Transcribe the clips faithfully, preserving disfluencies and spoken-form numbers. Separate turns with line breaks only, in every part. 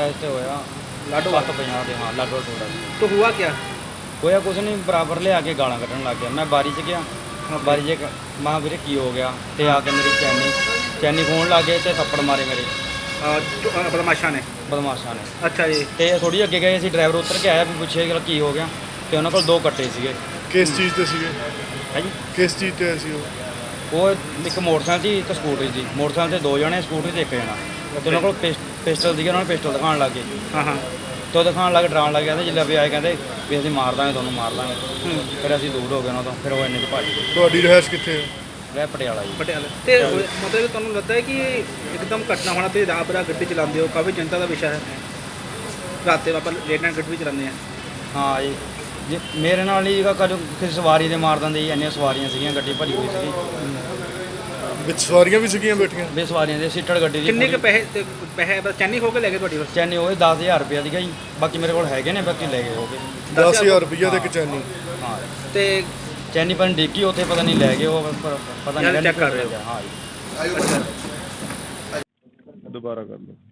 ऐसे होया
लाडो
सत्त पंजाह ਦੇ ਹਾਂ ਲਾਡੋ ਟੋੜਾ
तो हुआ क्या?
ਹੋਇਆ ਕੁਛ ਨਹੀਂ ਬਰਾਬਰ ਲਿਆ ਕੇ ਗਾਲਾਂ ਕੱਢਣ ਲੱਗ ਗਿਆ। ਮੈਂ ਬਾਰੀ 'ਚ ਗਿਆ ਬਾਰੀ 'ਚ ਮਾਂ ਵੀਰੇ ਕੀ ਹੋ ਗਿਆ ਤੇ ਆ ਕੇ ਮੇਰੀ ਚੈਨੀ ਚੈਨੀ ਖੋਣ ਲੱਗ ਗਏ ਤੇ ਥੱਪੜ ਮਾਰੇ ਮੇਰੇ
आ, तो, आ, बदमाशा ने।
ਬਦਮਾਸ਼ਾਂ ਨੇ।
अच्छा जी।
ਤੇ ਥੋੜੀ ਅੱਗੇ ਗਏ ਅਸੀਂ ਡਰਾਈਵਰ ਉਤਰ ਕੇ ਆਇਆ ਵੀ ਪੁੱਛੇ ਕਿ ਕੀ ਹੋ ਗਿਆ ਤੇ ਉਹਨਾਂ ਕੋਲ ਦੋ ਕੱਟੇ ਸੀਗੇ।
ਕਿਸ ਚੀਜ਼ ਤੇ ਸੀਗੇ?
ਹੈ ਜੀ
ਕਿਸ ਚੀਜ਼ ਤੇ ਸੀ ਉਹ?
ਉਹ ਇੱਕ ਮੋਟਰਸਾਈਕਲ ਸੀ ਇੱਕ ਸਕੂਟਰੀ ਸੀ। ਮੋਟਰਸਾਈਕਲ ਤੇ ਦੋ ਜਣੇ ਸਕੂਟਰੀ ਤੇ ਇੱਕ ਜਣਾ ਤੇ ਉਹਨਾਂ ਕੋਲ ਪਿਸ- ਪਿਸਟਲ ਸੀਗੇ। ਉਹਨਾਂ ਨੇ ਪਿਸਟਲ ਦਿਖਾਉਣ ਲੱਗ ਗਏ
हाँ हाँ।
ਤੇ ਉਹ ਦਿਖਾਉਣ ਲੱਗ ਡਰਾਉਣ ਲੱਗ ਗਿਆ ਤੇ ਜਿੱਦਾਂ ਵੀ ਆਏ ਕਹਿੰਦੇ ਵੀ ਅਸੀਂ ਮਾਰ ਦਾਂਗੇ ਤੁਹਾਨੂੰ ਮਾਰ ਦਾਂਗੇ। ਫਿਰ ਅਸੀਂ ਦੂਰ ਹੋ ਗਏ ਉਹਨਾਂ ਤੋਂ। ਫਿਰ ਉਹ ਇੰਨੇ 'ਚ ਭੱਜ ਗਏ।
ਤੁਹਾਡੀ ਰਿਹਾਇਸ਼ ਕਿੱਥੇ ਹੈ?
ਰਹਿ ਪਟਿਆਲਾ ਜੀ।
पटियाला ते मतलब ਤੁਹਾਨੂੰ ਲੱਗਦਾ ਹੈ ਕਿ ਇੱਕਦਮ ਘਟਨਾ ਹੋਣਾ ਤੇ ਰਾਤ ਬਰਾ ਗੱਡੀ ਚਲਾਉਂਦੇ ਹੋ ਕਾਫੀ ਚਿੰਤਾ ਦਾ ਵਿਸ਼ਾ ਹੈ ਰਾਤੇ ਆਪਾਂ ਲੇਟ ਨਾਈਟ ਗੱਡੀ ਵੀ ਚਲਾਉਂਦੇ ਆ
ਹਾਂ ਜੀ ਜੇ ਮੇਰੇ ਨਾਲ ਹੀ ਕਦੋਂ ਕਿਸੇ ਸਵਾਰੀ ਦੇ ਮਾਰ ਦਿੰਦੇ ਜੀ। ਇੰਨੀਆਂ ਸਵਾਰੀਆਂ ਸੀਗੀਆਂ ਗੱਡੀ ਭਰੀ ਹੋਈ ਸੀਗੀ।
ਵਿੱਚ ਸਵਾਰੀਆਂ ਵੀ ਸੀਗੀਆਂ ਬੈਠੀਆਂ?
ਬੇ ਸਵਾਰੀਆਂ ਦੇ ਸੀਟੜ ਗੱਡੀ ਦੀ
ਕਿੰਨੇ ਕੁ
ਪੂਰੀ-
ਪੈਸੇ ਤੇ ਪੈਸੇ ਬਸ ਚੈਨੀ ਹੋ ਕੇ ਲੈ ਗਏ ਤੁਹਾਡੀ ਬਸ
ਚੈਨੀ ਹੋਏ ਦਸ ਹਜ਼ਾਰ ਰੁਪਇਆ ਸੀਗਾ ਜੀ। ਬਾਕੀ ਮੇਰੇ ਕੋਲ ਹੈਗੇ ਨੇ ਬਾਕੀ ਲੈ ਗਏ ਹੋਗੇ।
ਦਸ ਹਜ਼ਾਰ ਰੁਪਈਆ ਤੇ ਇੱਕ ਚੈਨੀ।
ਹਾਂ
ਤੇ
ਚੈਨੀ ਪਰ ਡਿੱਗੀ ਉੱਥੇ ਪਤਾ ਨਹੀਂ ਲੈ ਗਏ ਉਹ ਪਰ ਪਤਾ
ਯਾਰ
ਨਹੀਂ
check ਕਰ ਰਹੇ ਹੋ।
ਹਾਂ ਜੀ।
ਦੁਬਾਰਾ ਕਰ ਲਓ।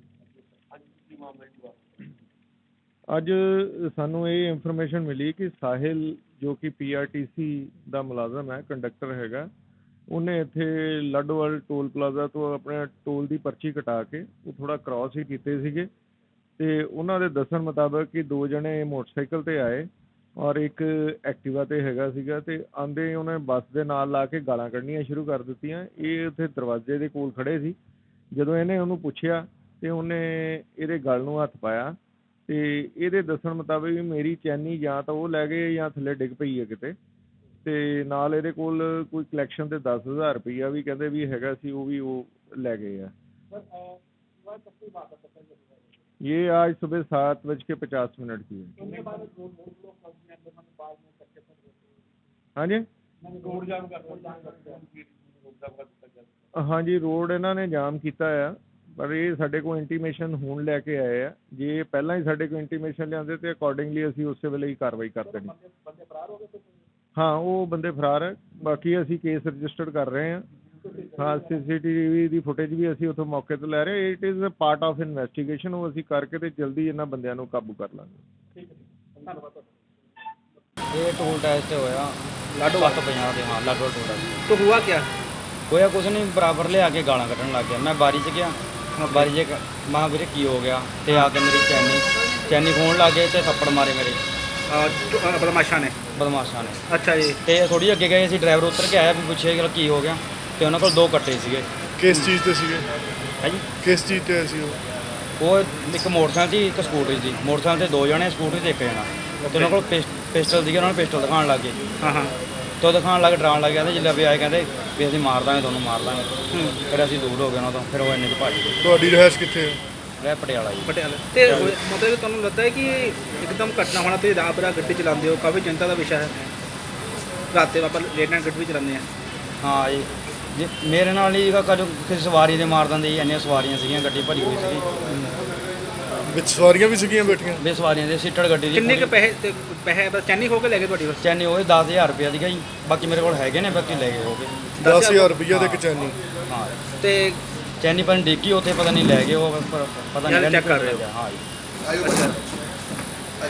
ਅੱਜ ਸਾਨੂੰ ਇਹ ਇਨਫੋਰਮੇਸ਼ਨ ਮਿਲੀ ਕਿ ਸਾਹਿਲ ਜੋ ਕਿ ਪੀਆਰਟੀਸੀ ਦਾ ਮੁਲਾਜ਼ਮ ਹੈ, ਕੰਡਕਟਰ ਹੈਗਾ, ਉਹਨੇ ਇੱਥੇ ਲੱਡੋਵਾਲ ਟੋਲ ਪਲਾਜ਼ਾ ਤੋਂ ਆਪਣੇ ਟੋਲ ਦੀ ਪਰਚੀ ਕਟਾ ਕੇ ਉਹ ਥੋੜ੍ਹਾ ਕ੍ਰਾਸ ਹੀ ਕੀਤੇ ਸੀਗੇ ਅਤੇ ਉਹਨਾਂ ਦੇ ਦੱਸਣ ਮੁਤਾਬਕ ਕਿ ਦੋ ਜਣੇ ਮੋਟਰਸਾਈਕਲ 'ਤੇ ਆਏ ਔਰ ਇੱਕ ਐਕਟਿਵਾ 'ਤੇ ਹੈਗਾ ਸੀਗਾ ਅਤੇ ਆਉਂਦੇ ਉਹਨੇ ਬੱਸ ਦੇ ਨਾਲ ਲਾ ਕੇ ਗਾਲਾਂ ਕੱਢਣੀਆਂ ਸ਼ੁਰੂ ਕਰ ਦਿੱਤੀਆਂ। ਇਹ ਉੱਥੇ ਦਰਵਾਜ਼ੇ ਦੇ ਕੋਲ ਖੜ੍ਹੇ ਸੀ। ਜਦੋਂ ਇਹਨੇ ਉਹਨੂੰ ਪੁੱਛਿਆ ਅਤੇ ਉਹਨੇ ਇਹਦੇ ਗਲ ਨੂੰ ਹੱਥ ਪਾਇਆ ਅਤੇ ਇਹਦੇ ਦੱਸਣ ਮੁਤਾਬਕ ਵੀ ਮੇਰੀ ਚੈਨੀ ਜਾਂ ਤਾਂ ਉਹ ਲੈ ਗਏ ਜਾਂ ਥੱਲੇ ਡਿੱਗ ਪਈ ਹੈ ਕਿਤੇ, ਅਤੇ ਨਾਲ ਇਹਦੇ ਕੋਲ ਕੋਈ ਕਲੈਕਸ਼ਨ 'ਤੇ ਦਸ ਹਜ਼ਾਰ ਰੁਪਈਆ ਵੀ ਕਹਿੰਦੇ ਵੀ ਹੈਗਾ ਸੀ, ਉਹ ਵੀ ਉਹ ਲੈ ਗਏ ਆ। ये आज सुबह सात बज के पचास मिनट की है। हाँ जी हाँ जी रोड ਇਹਨਾਂ ਨੇ ਜਾਮ ਕੀਤਾ ਆ ਪਰ ਇਹ ਸਾਡੇ ਕੋਲ ਇੰਟੀਮੇਸ਼ਨ ਹੁਣ ਲੈ ਕੇ ਆਏ ਆ। ਜੇ ਪਹਿਲਾਂ ਹੀ ਸਾਡੇ ਕੋਲ ਇੰਟੀਮੇਸ਼ਨ ਲਿਆਉਂਦੇ ਤੇ ਅਕੋਰਡਿੰਗਲੀ ਅਸੀਂ ਉਸੇ ਵੇਲੇ ਹੀ ਕਾਰਵਾਈ ਕਰ ਦੇਣੀ। ਹਾਂ ਉਹ ਬੰਦੇ ਫਰਾਰ ਹੈ। ਬਾਕੀ ਅਸੀਂ ਕੇਸ ਰਜਿਸਟਰਡ ਕਰ ਰਹੇ ਹਾਂ। ਹਾਂ ਸੀ ਸੀ ਟੀ ਵੀ ਦੀ ਫੁਟੇਜ ਵੀ ਅਸੀਂ ਉੱਥੋਂ ਮੌਕੇ ਤੋਂ ਲੈ ਰਹੇ। It is a part of investigation. ਉਹ ਅਸੀਂ ਕਰਕੇ ਤੇ ਜਲਦੀ ਇਹਨਾਂ ਬੰਦਿਆਂ ਨੂੰ ਕਾਬੂ ਕਰ ਲਾਂਗੇ।
ਇਹ ਟੋਲ ਟੈਕਸ ਤੇ ਹੋਇਆ
ਲਾਡੋ
ਸੱਤ ਪੰਜਾਹ ਦੇ ਹਾਂ ਲਾਡੋ ਟੋੜਾ
तो हुआ क्या?
ਹੋਇਆ ਕੁਛ ਨਹੀਂ ਬਰਾਬਰ ਲਿਆ ਕੇ ਗਾਲਾਂ ਕੱਢਣ ਲੱਗ ਗਿਆ। ਮੈਂ ਬਾਰੀ 'ਚ ਗਿਆ ਬਾਰੀ 'ਚ ਮਾਂ ਵੀਰੇ ਕੀ ਹੋ ਗਿਆ ਤੇ ਆ ਕੇ ਮੇਰੀ ਚੈਨੀ ਚੈਨੀ ਖੋਣ ਲੱਗ ਗਏ ਤੇ ਥੱਪੜ ਮਾਰੇ ਮੇਰੇ
आ, तो, आ, बदमाशा ने।
ਬਦਮਾਸ਼ਾਂ ਨੇ।
अच्छा जी।
ਤੇ ਥੋੜੀ ਅੱਗੇ ਗਏ ਅਸੀਂ ਡਰਾਈਵਰ ਉਤਰ ਕੇ ਆਇਆ ਵੀ ਪੁੱਛੇ ਕਿ ਕੀ ਹੋ ਗਿਆ ਤੇ ਉਹਨਾਂ ਕੋਲ ਦੋ ਕੱਟੇ ਸੀਗੇ।
ਕਿਸ ਚੀਜ਼ ਤੇ ਸੀਗੇ?
ਹੈ ਜੀ
ਕਿਸ ਚੀਜ਼ ਤੇ ਸੀ ਉਹ?
ਉਹ ਇੱਕ ਮੋਟਰਸਾਈਕਲ ਸੀ ਇੱਕ ਸਕੂਟਰੀ ਸੀ। ਮੋਟਰਸਾਈਕਲ ਤੇ ਦੋ ਜਣੇ ਸਕੂਟਰੀ ਤੇ ਇੱਕ ਜਣਾ ਤੇ ਉਹਨਾਂ ਕੋਲ ਪਿਸ- ਪਿਸਟਲ ਸੀਗੇ। ਉਹਨਾਂ ਨੇ ਪਿਸਟਲ ਦਿਖਾਉਣ ਲੱਗ ਗਏ
हाँ हाँ।
ਤੇ ਉਹ ਦਿਖਾਉਣ ਲੱਗ ਡਰਾਉਣ ਲੱਗ ਗਿਆ ਤੇ ਜਿੱਦਾਂ ਵੀ ਆਏ ਕਹਿੰਦੇ ਵੀ ਅਸੀਂ ਮਾਰ ਦਾਂਗੇ ਤੁਹਾਨੂੰ ਮਾਰ ਦਾਂਗੇ। ਫਿਰ ਅਸੀਂ ਦੂਰ ਹੋ ਗਏ ਉਹਨਾਂ ਤੋਂ। ਫਿਰ ਉਹ ਇੰਨੇ 'ਚ ਭੱਜ ਗਏ।
ਤੁਹਾਡੀ ਰਿਹਾਇਸ਼ ਕਿੱਥੇ ਹੈ?
ਰਹਿ ਪਟਿਆਲਾ ਜੀ।
ਪਟਿਆਲਾ ਤੇ ਮਤਲਬ ਤੁਹਾਨੂੰ ਲੱਗਦਾ ਹੈ ਕਿ ਇੱਕਦਮ ਘਟਨਾ ਹੋਣਾ ਤੇ ਰਾਤ ਬਰਾ ਗੱਡੀ ਚਲਾਉਂਦੇ ਹੋ ਕਾਫੀ ਚਿੰਤਾ ਦਾ ਵਿਸ਼ਾ ਹੈ ਰਾਤੇ ਆਪਾਂ ਲੇਟ ਨਾਈਟ ਗੱਡੀ ਵੀ ਚਲਾਉਂਦੇ ਆ
ਹਾਂ ਜੀ ਜੇ ਮੇਰੇ ਨਾਲ ਹੀ ਕਦੋਂ ਕਿਸੇ ਸਵਾਰੀ ਦੇ ਮਾਰ ਦਿੰਦੇ ਜੀ। ਇੰਨੀਆਂ ਸਵਾਰੀਆਂ ਸੀਗੀਆਂ ਗੱਡੀ ਭਰੀ ਹੋਈ ਸੀਗੀ।
ਵਿੱਚ ਸਵਾਰੀਆਂ ਵੀ ਸੀਗੀਆਂ ਬੈਠੀਆਂ?
ਬੇ ਸਵਾਰੀਆਂ ਦੇ ਸੀਟੜ ਗੱਡੀ ਦੀ
ਕਿੰਨੇ ਕੁ
ਪੂਰੀ-
ਪੈਸੇ ਤੇ ਪੈਸੇ ਬਸ ਚੈਨੀ ਹੋ ਕੇ ਲੈ ਗਏ ਤੁਹਾਡੀ ਬਸ
ਚੈਨੀ ਹੋਏ ਦਸ ਹਜ਼ਾਰ ਰੁਪਇਆ ਸੀਗਾ ਜੀ। ਬਾਕੀ ਮੇਰੇ ਕੋਲ ਹੈਗੇ ਨੇ ਬਾਕੀ ਲੈ ਗਏ ਹੋਗੇ।
ਦਸ ਹਜ਼ਾਰ ਰੁਪਈਆ ਤੇ ਇੱਕ ਚੈਨੀ।
ਹਾਂ
ਤੇ
ਚੈਨੀ ਪਰ ਡਿੱਗੀ ਉੱਥੇ ਪਤਾ ਨਹੀਂ ਲੈ ਗਏ ਉਹ ਪਰ ਪਤਾ
ਯਾਰ
ਨਹੀਂ
check ਕਰ ਰਹੇ ਹੋ।
ਹਾਂ ਜੀ।
ਅੱਛਾ